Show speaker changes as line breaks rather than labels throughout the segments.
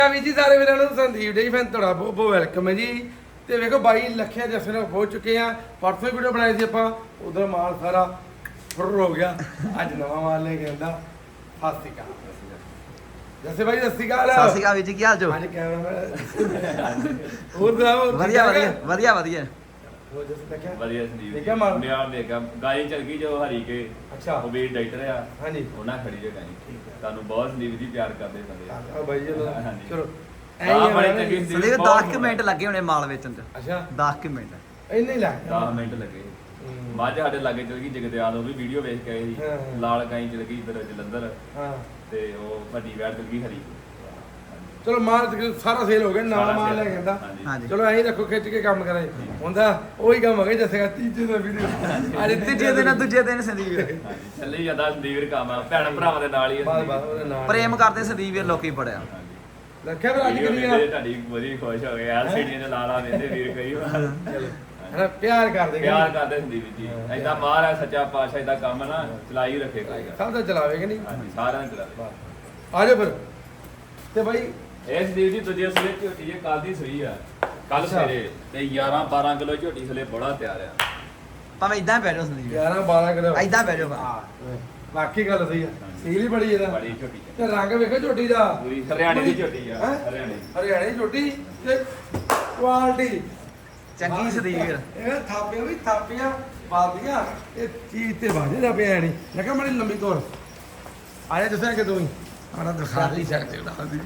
ਵੀ ਜੀ ਸਾਰੇ ਵੀਰਾਂ ਨੂੰ ਸੰਦੀਪ ਡੇ ਫੈਨ ਤੁਹਾਡਾ ਬਹੁਤ ਬਹੁਤ ਵੈਲਕਮ ਹੈ ਜੀ। ਤੇ ਵੇਖੋ ਬਾਈ ਲੱਖਿਆ ਜੱਸੇ ਨਾਲ ਪਹੁੰਚ ਚੁੱਕੇ ਆ। ਪਰਸੋਂ ਹੀ ਵੀਡੀਓ ਬਣਾਈ ਸੀ ਆਪਾਂ, ਉਧਰ ਮਾਲ ਸਾਰਾ ਫੁਰ ਹੋ ਗਿਆ। ਅੱਜ ਨਵਾਂ ਮਾਲ ਲੈ ਕੇ ਆਂਦਾ। ਸਤਿ ਸ਼੍ਰੀ ਅਕਾਲ ਜੱਸੇ ਬਾਈ, ਸਤਿ ਸ਼੍ਰੀ ਅਕਾਲ।
ਸਤਿ ਸ਼੍ਰੀ ਅਕਾਲ ਵੀਰ ਜੀ, ਕੀ ਹਾਲ ਜੋ?
ਅੱਜ ਕੈਮਰਾਮੈਨ ਹੋਰ ਸੁਣਾਓ?
ਵਧੀਆ ਵਧੀਆ ਵਧੀਆ ਵਧੀਆ।
ਹੋਰ ਜੱਸੇ ਦੇਖਿਆ
ਵਧੀਆ ਸੰਦੀਪ
ਦੇਖਿਆ ਮਾਲ?
ਮੈਂ ਦੇਖਿਆ ਗਾਈ ਚਲ ਗਈ ਜੋ ਹਰੀ ਕੇ।
ਅੱਛਾ
ਉਹ ਵੀ ਡਾਕਟਰ ਆ।
ਹਾਂਜੀ
ਉਹਨਾਂ ਖੜੀ ਜੇ ਗਾਈ। ਤੁਹਾਨੂੰ ਬਹੁਤ ਸੰਦੀਪ ਜੀ ਪਿਆਰ ਕਰਦੇ ਬੰਦੇ
ਆ ਬਾਈ ਜੀ
ਹਾਂਜੀ।
ਚਲੋ
ਆਹ ਬੜੀ ਚੰਗੀ
ਸੰਦੀਪ 10 ਮਿੰਟ ਲੱਗੇ ਹੋਣੇ ਮਾਲ ਵੇਚਣ ਚ।
ਅੱਛਾ
10 ਮਿੰਟ
ਇੰਨੇ ਹੀ ਲੱਗ
10 ਮਿੰਟ ਲੱਗੇ। ਮੱਝ ਸਾਡੇ ਲਾਗੇ ਚਲ ਗਈ ਜਗਦਿਆਲ, ਉਹ ਵੀ ਵੀਡੀਓ ਵੇਖ ਕੇ ਆਏ ਸੀ।
ਹਾਂ।
ਲਾਲ ਗਾਈ ਚਲ ਗਈ ਇੱਧਰ ਜਲੰਧਰ
ਹਾਂ
ਤੇ ਉਹ ਵੱਡੀ ਵੈੜ ਚਲ ਗਈ ਹਰੀ।
ਚਲੋ ਮਾਲ ਸਾਰਾ ਸੇਲ ਹੋ ਗਿਆ, ਨਵਾਂ ਮਾਲ ਲੈ ਕੇ ਆਂਦਾ।
ਹਾਂਜੀ
ਚਲੋ ਐਂ ਰੱਖੋ ਖਿੱਚ ਕੇ ਕੰਮ ਕਰੇ ਹੁੰਦਾ ਉਹੀ ਕੰਮ ਹੋ ਗਿਆ ਜੱਸੇ ਤੀਜੇ ਦਾ ਵੀਡੀਓ
ਅੱਜ ਤੀਜੇ ਦਿਨ ਦੂਜੇ ਦਿਨ ਸੰਦੀਪ
ਹਾਂਜੀ ਚੱਲੀ ਜਾਂਦਾ ਸੰਦੀਪ ਵੀਰ ਕੰਮ ਆ, ਭੈਣ ਭਰਾਵਾਂ ਦੇ ਨਾਲ ਹੀ ਆ
ਬਾਦ
ਸੰਦੀਪ।
ਬਾਦ ਉਹਦੇ ਨਾਲ
ਪ੍ਰੇਮ ਕਰਦੇ ਸੰਦੀਪ ਵੀਰ ਲੋਕੀ ਬੜਿਆ।
ਹਾਂਜੀ।
ਰੱਖਿਆ ਫਿਰ ਅੱਜ
ਵੀਡੀਓ
ਕਿੰਨੀ
ਵੇਖਦੇ ਤੁਹਾਡੀ ਬੜੀ ਖੁਸ਼ ਹੋ ਗਏ ਯਾਰ, ਸੀੜੀਆਂ ਦੇ ਲਾਲਾ ਦਿੰਦੇ ਵੀਰ ਕਈ ਵਾਰ।
ਹਨਾ ਪਿਆਰ ਕਰਦੇ
ਪਿਆਰ ਕਰਦੇ ਸੰਦੀਪ ਜੀ। ਏਦਾਂ ਮਾਰ ਹੈ ਸੱਚਾ ਪਾਤਸ਼ਾਹ, ਏਦਾਂ ਕੰਮ ਨਾ ਚਲਾਈ ਰੱਖੇ ਕਰੇਗਾ।
ਸਭ ਦਾ ਚਲਾਵੇਗੇ ਨਹੀਂ।
ਹਾਂਜੀ ਸਾਰਿਆਂ ਨੂੰ ਚਲਾਵੇ।
ਆ ਜਾਓ ਫਿਰ ਤੇ ਬਾਈ
ਇਹ ਸੰਦੀਪ ਜੀ ਦੂਜੇ ਸਵੇਰੇ ਝੋਟੀ ਜੇ ਕੱਲ ਦੀ ਸੂਈ ਆ, ਕੱਲ
ਅੱਛਾ।
ਸਵੇਰੇ ਤੇ 11-12 ਕਿਲੋ ਝੋਟੀ ਥਲੇ ਬੜਾ ਤਿਆਰ ਆ।
ਭਾਵੇਂ ਇਦਾਂ ਬਹਿ ਜਾਓ ਸੰਦੀਪ
11-12 ਕਿਲੋ
ਇਦਾਂ ਬਹਿ ਜਾਓ
ਬਾਕੀ ਗੱਲ ਸਹੀ ਆ। ਸੀਲ ਹੀ ਬੜੀ ਇਹਦਾ
ਬੜੀ ਝੋਟੀ
ਤੇ ਰੰਗ ਵੇਖੋ ਝੋਟੀ ਦਾ
ਪੂਰੀ ਹਰਿਆਣੇ ਦੀ ਝੋਟੀ ਆ।
ਹੈਂ?
ਹਰਿਆਣੇ
ਹਰਿਆਣੇ ਦੀ ਝੋਟੀ ਤੇ ਕੁਆਲਿਟੀ
ਚੰਗੀ ਸੰਦੀਪ ਵੀਰ।
ਇਹ ਥਾਪੀਆਂ ਵੀ ਥਾਪੀਆਂ ਬਾਦੀਆਂ ਇਹ ਚੀਜ਼ ਤੇ ਬਾਜੇ ਦਾ ਪਿਆ ਨਹੀਂ। ਮੈਂ ਕਿਹਾ ਬੜੀ ਲੰਬੀ ਤੋਰ ਆਇਆ ਦੱਸਿਆ ਕਿ ਤੂੰ ਹੀ ਆੜਾ ਦਿਖਾ ਨਹੀਂ ਸਕਦੇ ਉਹਦਾ ਦੀ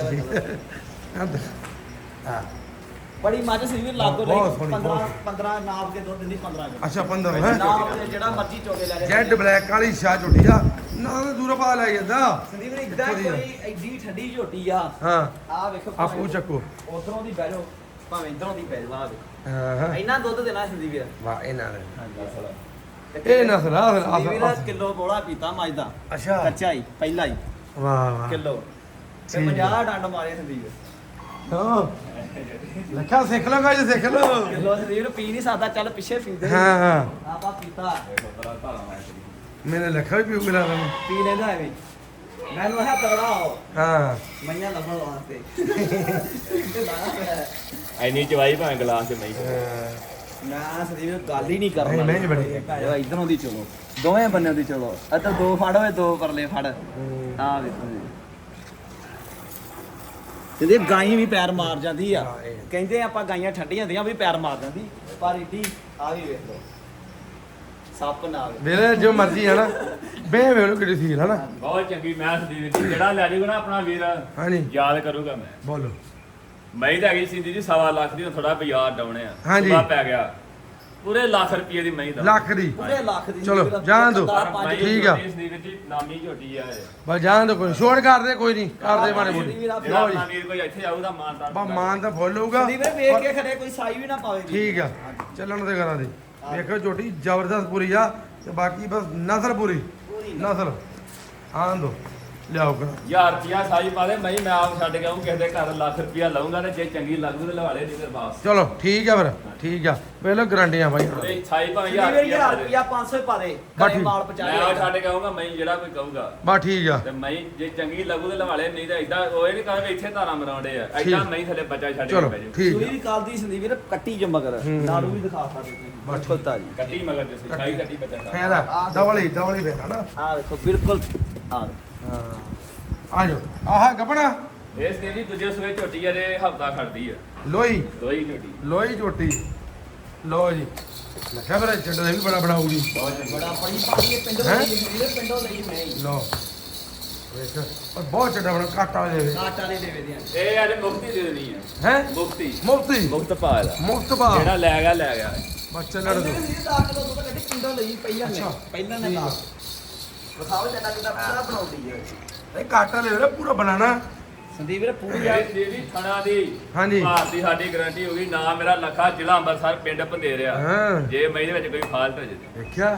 ਹਾਂ
ਬੜੀ ਮੱਝ ਸੰਦੀਪ ਵੀਰ ਲਾਗੋ
ਬਹੁਤ ਸੋਹਣੀ,
15 ਨਾਪ ਕੇ ਦੁੱਧ ਦਿੰਦੀ 15 ਕਿਲੋ।
ਅੱਛਾ 15 ਹੈ
ਨਾਪ ਤੇ ਜਿਹੜਾ ਮਰਜ਼ੀ ਚੋਕੇ ਲੈ ਲੈ
ਜੈਡ ਬਲੈਕ ਵਾਲੀ ਸ਼ਾਹ ਝੋਟੀ ਆ ਨਾ ਦੂਰੋਂ ਪਾ ਲੈ ਜਾਂਦਾ।
ਸੰਦੀਪ ਵੀਰ ਇਦਾਂ ਕੋਈ ਐਡੀ ਠੰਡੀ ਝੋਟੀ ਆ।
ਹਾਂ
ਆ ਵੇਖੋ
ਆਪੂ ਚੱਕੋ
ਉਧਰੋਂ ਦੀ ਬਹਿ ਜਾਓ ਭਾਵੇਂ ਇਧਰੋਂ ਦੀ ਬਹਿ ਜਾਓ।
ਹਾਂ
ਇੰਨਾ ਦੁੱਧ ਦੇਣਾ ਸੰਦੀਪ ਵੀਰ।
ਵਾਹ ਇਹਨਾਂ ਨੇ
ਹਾਂਜੀ
ਇਹ ਨਸਲ ਆ
ਸੰਦੀਪ ਵੀਰ ਕਿਲੋ ਬੋਲਾ ਪੀਤਾ ਮੱਝ ਦਾ
ਅੱਛਾ
ਕੱਚਾ ਹੀ ਪਹਿਲਾ ਹੀ
ਵਾਹ ਵਾਹ
ਕਿਲੋ ਤੇ
ਠੀਕ ਹੈ।
50 ਡੰਡ ਮਾਰੇ ਸੰਦੀਪ
ਹਾਂ ਲੱਖਾ ਸਿੱਖ ਲਓ ਗਾਜ ਸਿੱਖ ਲਓ।
ਕਿਲੋ ਸੰਦੀਪ ਪੀ ਨਹੀਂ ਸਕਦਾ, ਚੱਲ ਪਿੱਛੇ ਪੀਂਦੇ
ਹਾਂ ਹਾਂ
ਆਪਾਂ ਪੀਤਾ
ਬੜਾ ਧਾਰਾ ਮਾਰ
ਮੇਰੇ ਲੱਖਾ ਵੀ ਪੀਉ ਮਿਲਾ ਤੈਨੂੰ।
ਪੀ ਲੈਂਦਾ ਐਵੇਂ ਮੈਨੂੰ ਆਹ ਤਗੜਾ ਹੋ
ਹਾਂ
ਮਈਆਂ ਲੱਭਣ ਵਾਸਤੇ
ਐਨੀ ਚਵਾਈ ਭਾਵੇਂ ਗਲਾਸ ਚ ਨਹੀਂ।
ਮੈਂ ਸੰਦੀਪ ਗੱਲ ਹੀ ਨਹੀਂ ਕਰਨਾ।
ਨਹੀਂ ਬੜੀ
ਭਾਈ ਇਧਰੋਂ ਦੀ ਚਲੋ ਦੋਵੇਂ ਬੰਨਿਆਂ ਦੀ ਚਲੋ। ਇੱਧਰ ਦੋ ਫੜ ਹੋਏ ਦੋ ਪਰਲੇ ਫੜ ਆ ਵੇਖੋ ਜੀ। ਇਹਦੇ ਗਾਈ ਵੀ ਪੈਰ ਮਾਰ ਜਾਂਦੀ ਆ। ਕਹਿੰਦੇ ਆਪਾਂ ਗਾਈਆਂ ਠੰਡੀਆਂ ਹੁੰਦੀਆਂ ਵੀ ਪੈਰ ਮਾਰ ਜਾਂਦੀ, ਪਰ ਇੱਡੀ ਆ ਵੀ ਵੇਖ ਲਓ ਸੱਪ ਨਾਲ
ਵੀਰੇ ਜੋ ਮਰਜ਼ੀ ਹੈ ਨਾ ਬੇ ਵੇਲੋ ਕਿਹੜੀ ਸੀ ਹੈ ਨਾ।
ਬਹੁਤ ਚੰਗੀ ਮੈਂ ਸੰਦੀਪ ਜੀ ਜਿਹੜਾ ਲੈ ਜਾਊਗਾ ਨਾ ਆਪਣਾ ਵੀਰ
ਹਾਂਜੀ
ਯਾਦ ਕਰੂਗਾ। ਮੈਂ
ਬੋਲੋ
ਮੈਂ ਤਾਂ ਹੈਗੀ ਸੀ ਜੀ 1.5 ਲੱਖ ਦੀ, ਥੋੜਾ ਬਾਜ਼ਾਰ ਡਾਉਣੇ ਆ।
ਹਾਂਜੀ।
ਸੁਭਾ ਪੈ ਗਿਆ ਪੂਰੇ ਲੱਖ ਰੁਪਏ ਦੀ ਮਹੀਂ ਦਾ।
ਲੱਖ ਦੀ
ਪੂਰੇ ਲੱਖ ਦੀ
ਚਲੋ, ਜਾਣ ਦਿਓ।
ਮਹੀਂ
ਠੀਕ ਆ।
ਸੰਦੀਪ ਜੀ ਨਾਮੀ ਝੋਟੀ ਆ ਇਹ।
ਬਸ ਜਾਣ ਦੋ ਕੋਈ ਛੋੜ ਕਰਦੇ ਕੋਈ ਨਹੀਂ ਕਰਦੇ ਮਾੜੇ ਮੋਟੇ
ਜਿਹੜਾ
ਲਓ ਜੀ
ਆਪਣਾ ਵੀਰ ਕੋਈ ਇੱਥੇ ਆਊਗਾ ਮਾਨਤਾ
ਬਾ ਮਾਨ ਤਾਂ ਫੁੱਲ ਹੋਊਗਾ।
ਸੰਦੀਪ ਵੇਖ ਕੇ ਖੜੇ ਕੋਈ ਸਾਈ ਵੀ ਨਾ ਪਾਵੇ ਜੀ।
ਠੀਕ ਆ ਚੱਲਣ ਤੇ ਕਰਾਂ ਦੀ ਵੇਖੋ ਝੋਟੀ ਜ਼ਬਰਦਸਤ ਪੂਰੀ ਆ ਤੇ ਬਾਕੀ ਬਸ ਨਸਲ ਪੂਰੀ ਨਸਲ ਆਣ ਦੋ ਲਿਆਓ ਕਰਾ
1000 ਰੁਪਿਆ ਸਾਈ ਪਾ ਦੇ ਮੈਂ ਆਪ ਛੱਡ ਕੇ ਆਉਂ ਕਿਸੇ ਦੇ ਘਰ ਲੱਖ ਰੁਪਿਆ ਲਵਾਂਗਾ ਤੇ ਜੇ ਚੰਗੀ ਲੱਗੂ ਤੇ ਲਵਾ ਲੈ ਨਹੀਂ ਫਿਰ ਬਾਸ।
ਚਲੋ ਠੀਕ ਆ ਫਿਰ ਠੀਕ ਆ ਵੇਲੋ ਗਰੰਟੀਆਂ ਬਾਈ
ਇਹ ਸਾਈ ਭਾਵੇਂ 1000
ਸੰਦੀਪ 1000
ਰੁਪਿਆ
ਰੁਪਿਆ 500 ਪਾ ਦੇ
ਬਸ
ਘਰੇ
ਠੀਕ।
ਮਾਲ
ਮੈਂ
ਪਹੁੰਚਾ
ਆਪ ਛੱਡ ਕੇ ਆਉਂਗਾ ਮੈਂ ਜਿਹੜਾ ਕੋਈ ਕਹੂਗਾ
ਬਸ ਠੀਕ ਆ
ਤੇ ਮੈਂ ਜੇ ਚੰਗੀ ਲੱਗੂ ਤੇ ਲਵਾ ਲੈ, ਨਹੀਂ ਤਾਂ ਇਦਾਂ ਉਹ ਇਹ ਨਹੀਂ ਕਹਾਂਗੇ ਇੱਥੇ ਧਾਰਾਂ ਮਰਾਉਂਦੇ ਆ।
ਠੀਕ।
ਇਦਾਂ ਨਹੀਂ ਥੱਲੇ ਬੱਚਾ ਛੱਡ ਕੇ
ਚਲੋ
ਪੈ ਜਾਊ।
ਠੀਕ
ਸੂਈ
ਆ
ਵੀ ਕੱਲ ਦੀ ਸੰਦੀਪ ਵੀਰ ਕੱਟੀ ਜ ਮਗਰ ਨਾੜੂ ਵੀ ਦਿਖਾ ਸਕਦੇ ਤੁਸੀਂ ਬਿਲਕੁਲ ਤਾਜੀ।
ਕੱਟੀ ਮਗਰ ਜਿਸ ਸਾਈ ਕੱਟੀ ਬੱਚਾ ਛੱਡ।
ਫਾਇਦਾ ਡਬਲ ਹੀ ਫਾਇਦਾ ਨਾ।
ਆ ਵੇਖੋ ਬਿਲਕੁਲ ਆ
ਹਾਂ ਆ ਜਾਓ ਆਹ ਗੱਪਣਾ
ਇਸ ਦੇ ਜੀ ਦੂਜੇ ਸੂਏ ਝੋਟੀ ਆ ਜੇ ਹਫਤਾ ਖੜਦੀ ਆ।
ਲੋਈ
ਦੋਈ ਝੋਟੀ
ਲੋਈ ਝੋਟੀ ਲੋ ਜੀ ਲੱਖਾ ਫਿਰ ਚੱਡਾ ਵੀ ਬੜਾ ਬਣਾਉਗੀ
ਬਹੁਤ ਚੰਗੀ।
ਬੜਾ ਬੜੀ ਪਾਣੀ ਪਿੰਡੋਂ
ਹੈਂ?
ਲਈ ਵੀਰ ਪਿੰਡੋਂ ਲਈ ਮੈਂ ਹੀ।
ਲੋ ਵੇਖ ਪਰ ਬਹੁਤ ਚੱਡਾ ਬਣਾ ਕਾਟਾ ਦੇ
ਕਾਟ ਵਾਲੇ ਦੇਵੇ ਦੀਆਂ
ਇਹ ਅੱਜ ਮੁਕਤੀ ਦੇ ਦੇਣੀ ਆ।
ਹੈ
ਮੁਕਤੀ
ਮੁਫਤੀ
ਮੁਕਤ ਪਾ ਦਾ
ਮੁਫਤ ਬਾ
ਜਿਹੜਾ ਲੈ ਗਿਆ ਲੈ ਗਿਆ।
ਬਸ ਚੱਲਣ ਦੋ
ਵੀਰ 10 ਕਿਲੋ ਦੁੱਧ ਕੱਢੀ ਪਿੰਡੋਂ ਲਈ ਪਹਿਲਾਂ ਨੇ
ਅੱਛਾ।
ਪਹਿਲਾਂ ਨੇ ਲਾ ਵਿਖਾਓ ਜੱਟਾ ਕਿਦਾਂ ਪੂਰਾ ਬਣਾਉਂਦੀ ਹੈ
ਇਹ ਕਾਟਾ ਲੈ ਵੀਰੇ ਪੂਰਾ ਬਣਾਣਾ
ਸੰਦੀਪ ਵੀਰ ਪੂਰੀ ਆ
ਇਹ ਦੇਵੀ ਥਣਾ ਦੀ
ਹਾਂਜੀ।
ਭਾਰਤੀ ਸਾਡੀ ਗਾਰੰਟੀ ਹੋ ਗਈ। ਨਾ ਮੇਰਾ ਲੱਖਾ ਜ਼ਿਲ੍ਹਾ ਅੰਮ੍ਰਿਤਸਰ ਪਿੰਡ ਭੰਦੇਰਿਆ।
ਹਾਂ
ਜੇ ਮੈਂ ਇਹਦੇ ਵਿੱਚ ਕੋਈ ਫਾਲਟ ਹੋ ਜੇ
ਦੇਖਿਆ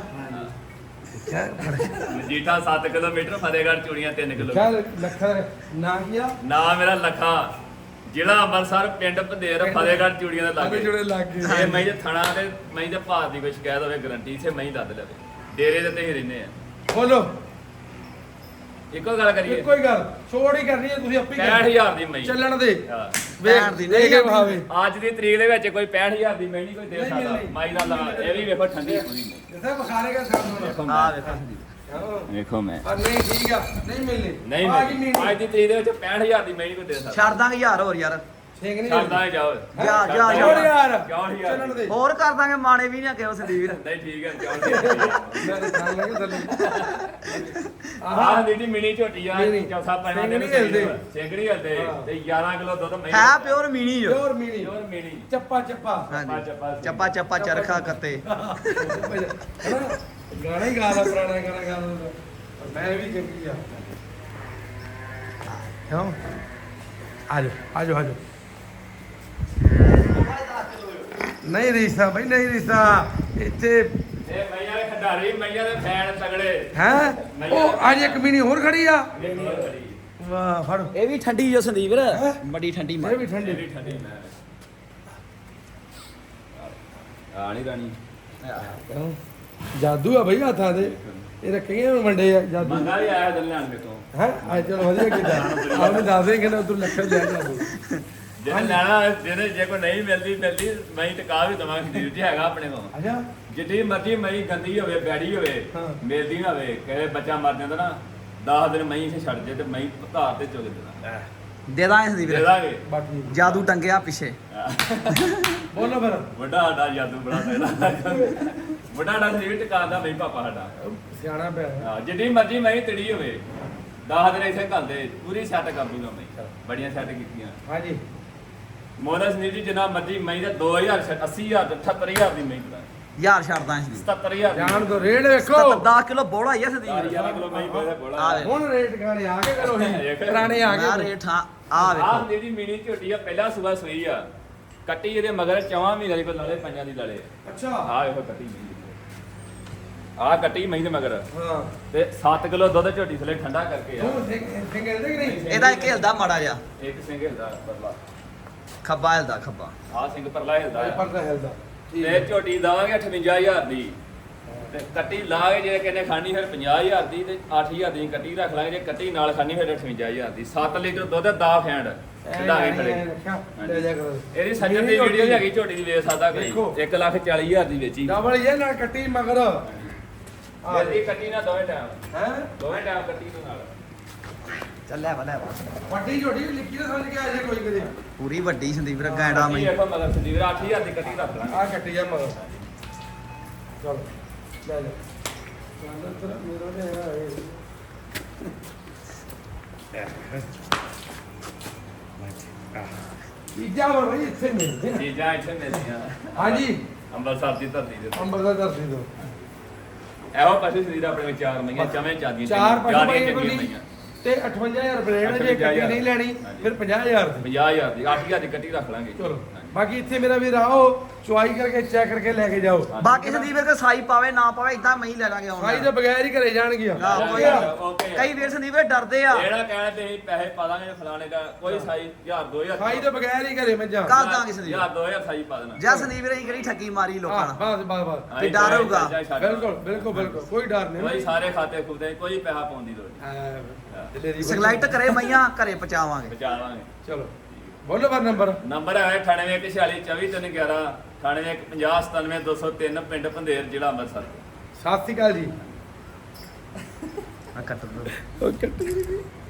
ਦੇਖਿਆ
ਮਜੀਠਾ 7 ਕਿਲੋਮੀਟਰ, ਫਤਿਹਗੜ੍ਹ ਚੂੜੀਆਂ 3
ਕਿਆ
ਕਿਲੋਮੀਟਰ।
ਲੱਖਾ ਨਾ ਕੀਆ
ਨਾ ਮੇਰਾ ਲੱਖਾ ਜ਼ਿਲ੍ਹਾ ਅੰਮ੍ਰਿਤਸਰ ਪਿੰਡ ਭੰਦੇਰ, ਫਤਿਹਗੜ੍ਹ ਚੂੜੀਆਂ ਦੇ ਲਾਗੇ।
ਜੁੜੇ ਲੱਗ
ਜੇ
ਗਏ
ਮੈਂ ਜੇ ਥਣਾ ਤੇ ਮੈਂ ਤੇ ਭਾਰ ਦੀ ਕੋਈ ਸ਼ਿਕਾਇਤ ਹੋਵੇ ਗਾਰੰਟੀ ਇਥੇ ਮੈਂ ਹੀ ਦੱਦ ਲਵੇ। ਡੇਰੇ ਦੇ ਤੇ ਹੀ ਰਹਿੰਦੇ ਆ।
ਬੋਲੋ
ਇੱਕੋ ਗੱਲ ਕਰੀਏ
ਇੱਕੋ ਹੀ ਗੱਲ ਛੋੜ ਹੀ ਕਰਨੀ ਹੈ ਤੁਸੀਂ ਆਪੇ
65000 ਦੀ ਮਈ
ਚੱਲਣ ਦੇ
ਹਾਂ।
ਵੇਖ
ਦੀ
ਦੇ ਕੇ ਵਿਖਾਵੇ
ਅੱਜ ਦੀ ਤਰੀਕ ਦੇ ਵਿੱਚ ਕੋਈ 65000 ਦੀ ਮਈ ਨਹੀਂ ਕੋਈ ਦੇ
ਨਹੀਂ
ਸਕਦਾ
ਮਿਲਣੀ।
ਮਾਈ ਦਾ ਲਾ ਇਹ ਵੀ ਵੇਖੋ ਠੰਡੀ ਪੂਰੀ ਮਈ
ਜਿੱਥੇ ਬੁਖਾਰੇਗਾ ਸਾਹਮਣੇ
ਵੇਖੋ
ਆ
ਮੈਂ
ਵੇਖੋ ਸੰਦੀਪ
ਵੇਖੋ ਮੈਂ
ਪਰ ਨਹੀਂ ਠੀਕ ਆ ਨਹੀਂ ਮਿਲਣੀ
ਨਹੀਂ
ਆ ਗਈ
ਮਿਲਣੀ। ਅੱਜ ਦੀ ਤਰੀਕ ਦੇ ਵਿੱਚ 65000 ਦੀ ਮਈ ਨਹੀਂ ਕੋਈ ਦੇ ਸਕਦਾ
ਛੱਡ ਦਾਂਗੇ ਯਾਰ ਹੋਰ ਯਾਰ
ਠੀਕ ਨਹੀਂ
ਛੱਡਦਾ ਜਾਓ
ਜਾ
ਛੋੜ ਯਾਰ
ਕਿਉਂ ਨੀ ਯਾਰ?
ਚੱਲਣ ਦੇ
ਹੋਰ ਕਰ ਦਾਂਗੇ ਮਾਣੇ ਵੀ ਨਾ ਕਿਹੋ ਸੰਦੀਪ
ਨਹੀਂ ਠੀਕ ਹੈ ਕਿਉਂ
ਮੈਂ ਤਾਂ ਖਾਣ ਲੱਗੇ ਥੱਲੇ
ਆਹ ਦੀਦੀ ਮਿਨੀ ਝੋਟੀ ਆ
ਮਿਨੀ।
ਚੌਥਾ ਪੈਣਾ
ਸਿੰਘ
ਦੇ
ਨੀ ਹਿਲਦੇ।
ਸਿੰਘ ਨਹੀਂ ਹਿਲਦੇ
ਹਾਂ।
ਤੇ 11 ਕਿਲੋ ਦੁੱਧ ਮਈ
ਹੈ ਪਿਓਰ ਮੀਣੀ ਜੋ
ਪਿਓਰ ਮੀਨੀ
ਪਿਓਰ ਮਿਨੀ
ਚੱਪਾ ਚੱਪਾ
ਹਾਂਜੀ
ਚੱਪਾ
ਚੱਪਾ ਚੱਪਾ ਚਰਖਾ ਕੱਤੇ
ਹੈਨਾ? ਗਾਣਾ ਹੀ ਗਾਣਾ ਪੁਰਾਣਾ ਗਾਣਾ ਗਾਣਾ ਮੈਂ ਵੀ ਚੰਗੀ ਆ ਕਿਉਂ ਆਜੋ ਆਜੋ ਆਜੋ ਨਹੀਂ ਰਿਸ਼ਤਾ ਬਈ ਨਹੀਂ ਰਿਸ਼ਤਾ ਇੱਥੇ
ਇਹ ਮਈਆਂ ਦੇ ਖੰਡਾਰੀ ਮਈਆਂ ਦੇ ਫੈਨ ਤਗੜੇ
ਹੈ ਉਹ ਅੱਜ ਇੱਕ ਮੀਨੀ ਹੋਰ ਖੜੀ ਆ ਵਾਹ ਫੜ
ਇਹ ਵੀ ਠੰਡੀ ਜੋ ਸੰਦੀਪ ਵੀਰ ਬੜੀ ਠੰਡੀ
ਇਹ
ਮਾਰ
ਵੀ ਠੰਡੀ
ਠੰਡੀ ਠੰਡੀ ਮੈਂ ਆ ਨਹੀਂ ਰਾਣੀ
ਕਿਉਂ? ਜਾਦੂ ਆ ਬਈ ਹੱਥਾਂ ਦੇ ਇਹ ਰੱਖੀਆਂ ਵੰਡੇ ਆ ਜਾਦੂ
ਮੰਗਾ ਵੀ ਆਇਆ ਦਿਲ ਲੈਣ ਮੇਤੋਂ
ਹੈ ਅੱਜ ਚਲੋ ਵਧੀਆ ਕੀਤਾ ਆਪ ਨੂੰ ਦੱਸ ਦੇ ਕਿ ਨਾ ਉਧਰ ਲੱਖਾਂ ਲਿਆ ਜਾਦੂ
ਜੇ ਲੈਣਾ ਜਿਹਨੇ ਜੇ ਕੋਈ ਨਹੀਂ ਮਿਲਦੀ ਮੈਂ ਟਿਕਾ ਵੀ ਦਵਾਂਗੇ ਸਰੀਰ 'ਚ ਹੈਗਾ ਆਪਣੇ ਕੋਲ
ਅੱਛਾ
ਜਿੱਡੀ ਮਰਜੀ ਮਈ ਗੰਦੀ ਹੋਵੇ ਬੈੜੀ ਹੋਵੇ
ਹਾਂ।
ਮਿਲਦੀ ਨਾ ਹੋਵੇ ਕਹੇ ਬੱਚਾ ਮਰ ਜਾਂਦਾ ਨਾ 10 ਦਿਨ ਮਈ ਇੱਥੇ ਛੱਡ ਜੇ ਤੇ ਮਈ ਧਾਰ ਤੇ ਚੁਗ ਦੇਣਾ
ਦੇ ਦਾਂਗੇ ਸੰਦੀਪ
ਦੇ
ਵੀਰ
ਦਾਂਗੇ
ਬਾਕੀ
ਜਾਦੂ ਟੰਗਿਆ ਪਿੱਛੇ
ਬੋਲੋ ਫਿਰ
ਵੱਡਾ ਸਾਡਾ ਜਾਦੂ ਬੜਾ ਸਕਦਾ ਵੱਡਾ ਸਾਡਾ ਸਰੀਰ ਟਿਕਾ ਦਾ ਨਹੀਂ ਪਾਪਾ ਸਾਡਾ
ਸਿਆਣਾ ਪਿਆ
ਹਾਂ, ਜਿੱਡੀ ਮਰਜੀ ਮਈ ਤੜੀ ਹੋਵੇ 10 ਦਿਨ ਇੱਥੇ ਘੱਲਦੇ ਪੂਰੀ ਸੈੱਟ ਕਰ ਦੂੰਗਾ ਮੈਂ ਬੜੀਆਂ ਸੈੱਟ ਕੀਤੀਆਂ
ਹਾਂਜੀ
ਮੋਹਨ ਸੰਦੀਪ ਜੀ ਜਿੰਨਾ ਮਰਜੀ ਮਈ ਦਾ 2000 80000 78000 ਦੀ ਮਈ ਦਾ
ਯਾਰ ਛੱਡ ਦਾਂਗੇ ਸੰਦੀਪ
77000
ਜਾਣ ਦੋ ਰੇਟ ਵੇਖੋ
10 ਕਿਲੋ ਬੋੜਾ ਹੀ ਆ ਸੰਦੀਪ ਵੀਰ
11 ਕਿਲੋ ਮਈ ਪੈਦਾ ਬੋਲਾ
ਆ ਵੇ।
ਹੁਣ ਰੇਟ ਗਾਣੇ ਆ ਕੇ ਕਰੋ ਹੀ ਪੁਰਾਣੇ ਆ
ਆ
ਗਏ
ਰੇਟ ਹਾਂ ਆ
ਆਹ
ਵੇਖੋ
ਜਿਹੜੀ ਮਿਨੀ ਝੋਟੀ ਆ ਪਹਿਲਾ ਸੂਆ ਸੂਈ ਆ ਕੱਟੀ ਇਹਦੇ ਮਗਰ 4 ਮਹੀਨੇ ਦੀ ਕੋਈ ਲਾਲੇ ਪੰਜਾਂ ਦੀ ਲਾਲੇ
ਅੱਛਾ
ਆਹ ਵੇਖੋ ਕੱਟੀ ਮਈ ਆਹ ਕੱਟੀ ਮਈ ਦੇ ਮਗਰ
ਹਾਂ
ਤੇ 7 ਕਿਲੋ ਦੁੱਧ ਝੋਟੀ ਥਲੇ ਠੰਡਾ ਕਰਕੇ ਆ
ਤੂੰ ਸਿੰਘ ਇਹਦੇ ਕਿ ਨਹੀਂ
ਇਹਦਾ ਇੱਕ ਹਿਲਦਾ ਮਾੜਾ ਜਿਹਾ
ਇੱਕ ਸਿੰਘ ਹਿਲਦਾ ਪਰਲਾ
ਖੱਬਾ ਹਿਲਦਾ ਖੱਬਾ
ਆਹ ਸਿੰਘ ਪਰਲਾ ਹਿਲਦਾ ਆ।
ਪਰਦਾ ਹਿਲਦਾ
ਤੇ ਝੋਟੀ ਦਵਾਂਗੇ 58000 ਦੀ ਤੇ ਕੱਟੀ ਲਾਗੇ ਜੇ ਕਿਨੇ ਖਾਣੀ ਫਿਰ 50000 ਦੀ ਤੇ 8000 ਦੀ ਕੱਟੀ ਰੱਖ ਲਾਂਗੇ ਜੇ ਕੱਟੀ ਨਾਲ ਖਾਣੀ ਫਿਰ 58000 ਦੀ 7 ਲੀਟਰ ਦੁੱਧ ਦਾ ਫੈਂਡ ਢਾਗੇ ਖੜੇ
ਲੈ ਜਾ ਕਰੋ
ਇਹਦੀ ਸੱਜਣ ਦੀ ਵੀਡੀਓ ਹੈਗੀ ਝੋਟੀ ਦੀ ਵੇਚ ਸਕਦਾ ਕੋਈ
ਦੇਖੋ।
1,40,000 ਦੀ ਵੇਚੀ
ਡਬਲ ਇਹ ਨਾਲ ਕੱਟੀ ਮਗਰ
ਇਹਦੀ ਕੱਟੀ ਨਾ ਦੋਵੇਂ ਟਾਈਮ
ਹੈ
ਦੋਵੇਂ ਟਾਈਮ ਕੱਟੀ ਦੇ ਨਾਲ
ਚੱਲਿਆ ਵਾ ਲੈ ਵਾ
ਵੱਡੀ ਝੋਟੀ ਲਿਖੀ ਤਾਂ ਸਮਝ ਕੇ ਆ ਜੇ ਕੋਈ ਕਦੇ
ਪੂਰੀ ਵੱਡੀ ਸੰਦੀਪ ਵੀਰ ਗੈਂਡਾ
ਕੱਟੀ
ਮਈ
ਵੇਖੋ ਮਗਰ ਸੰਦੀਪ 8000 ਦੀ ਕੱਟੀ ਰੱਖ ਲਾਂਗੇ
ਆ ਕੱਟੀ ਜਾ ਮਗਰ ਚਲ ਲੈ ਜਾ ਚੱਲ ਤੇਰਾ ਮੇਰਾ ਨੇ ਚੀਜ਼ਾਂ ਵਰ ਰਹੀ ਇੱਥੇ ਮਿਲਦੇ ਨੇ।
ਚੀਜ਼ਾਂ ਇੱਥੇ ਮਿਲਦੀਆਂ
ਹਾਂਜੀ
ਅੰਮ੍ਰਿਤਸਰ ਦੀ ਧਰਤੀ ਦੇ
ਅੰਬਰ ਦਾ ਦਰਦੀ ਦੋ
ਇਹੋ ਪਾਸੇ ਸਰੀਰ ਆਪਣੇ ਵਿੱਚ ਚਾਰ ਮਈਆਂ ਚਵੇਂ ਚਾਦੀਆਂ
ਚਾਰ ਪਸ਼ੂ
ਚਾਰੀਆਂ
ਪਈ
ਚੰਗੀਆਂ
ਬੋਲੀ
ਮਈਆਂ
ਤੇ 58000 ਰੁਪਏ ਲੈਣਾ ਜੇ ਕੱਟੀ ਨਹੀਂ ਲੈਣੀ ਫਿਰ 50000 ਦੀ
50000 ਦੀ 8000 ਦੀ ਕੱਟੀ ਰੱਖ ਲਾਂਗੇ
ਚਲੋ
ਹਾਂਜੀ।
ਬਾਕੀ ਇੱਥੇ ਮੇਰਾ ਵੀਰ ਆਓ ਚੁਆਈ ਕਰਕੇ ਚੈੱਕ ਕਰਕੇ ਲੈ ਕੇ ਜਾਓ
ਬਾਕੀ ਸੰਦੀਪ ਵੀਰ ਕੇ ਸਾਈ ਪਾਵੇ ਨਾ ਪਾਵੇ ਇਦਾਂ ਮਈ ਲੈ ਲਾਂਗੇ
ਭਾਈ
ਆਉਣਾ
ਦੇ ਬਗੈਰ ਹੀ ਘਰੇ ਜਾਣਗੀਆਂ
ਨਾ, ਕੋਈ
ਓਕੇ
ਕਈ ਵੀਰ ਸੰਦੀਪ ਵੀਰ ਡਰਦੇ ਆ
ਜਿਹੜਾ ਕਹਿਣਾ ਤੇ ਅਸੀਂ ਪੈਸੇ ਪਾ ਦਾਂਗੇ ਫਲਾਣੇ ਦਾ ਕੋਈ ਸਾਈ 1000 2000
ਭਾਈ ਦੇ ਬਗੈਰ ਹੀ ਘਰੇ ਮੱਝਾਂ
ਕਰ ਦਾਂਗੇ ਸੰਦੀਪ
1000 2000 ਸਾਈ ਪਾ ਦੇਣਾ
ਜਾਂ ਸੰਦੀਪ ਵੀਰ ਅਸੀਂ ਕਿਹੜੀ ਠੱਗੀ ਮਾਰੀ ਲੋਕਾਂ
ਹਾਂ
ਨਾਲ
ਬਸ ਬਸ ਬਸ
ਤੇ ਡਰ ਹੋਊਗਾ।
ਬਿਲਕੁਲ ਬਿਲਕੁਲ ਬਿਲਕੁਲ ਕੋਈ ਡਰ ਨਹੀਂ
ਕੋਈ ਸਾਰੇ ਖਾਤੇ ਖੁੱਦੇ ਕੋਈ ਪੈਸਾ ਪਾਉਣ ਦੀ ਲੋੜ ਨਹੀਂ
ਦਲੇਰੀ ਬੜੀ-
ਸਿਗਲਾਈਟ ਕਰੇ ਮਈਆਂ ਘਰੇ ਪਹੁੰਚਾਵਾਂਗੇ
ਬਚਾਵਾਂਗੇ
ਚਲੋ ਬੋਲੋ ਪਰ ਨੰਬਰ
ਨੰਬਰ ਹੈ 9816242311 9850977203 ਪਿੰਡ ਪੰਧੇਰ ਜ਼ਿਲ੍ਹਾ ਅੰਮ੍ਰਿਤਸਰ
ਸਤਿ ਸ਼੍ਰੀ ਅਕਾਲ ਜੀ
ਆ ਕੱਟ ਦੋ
ਓਕੇ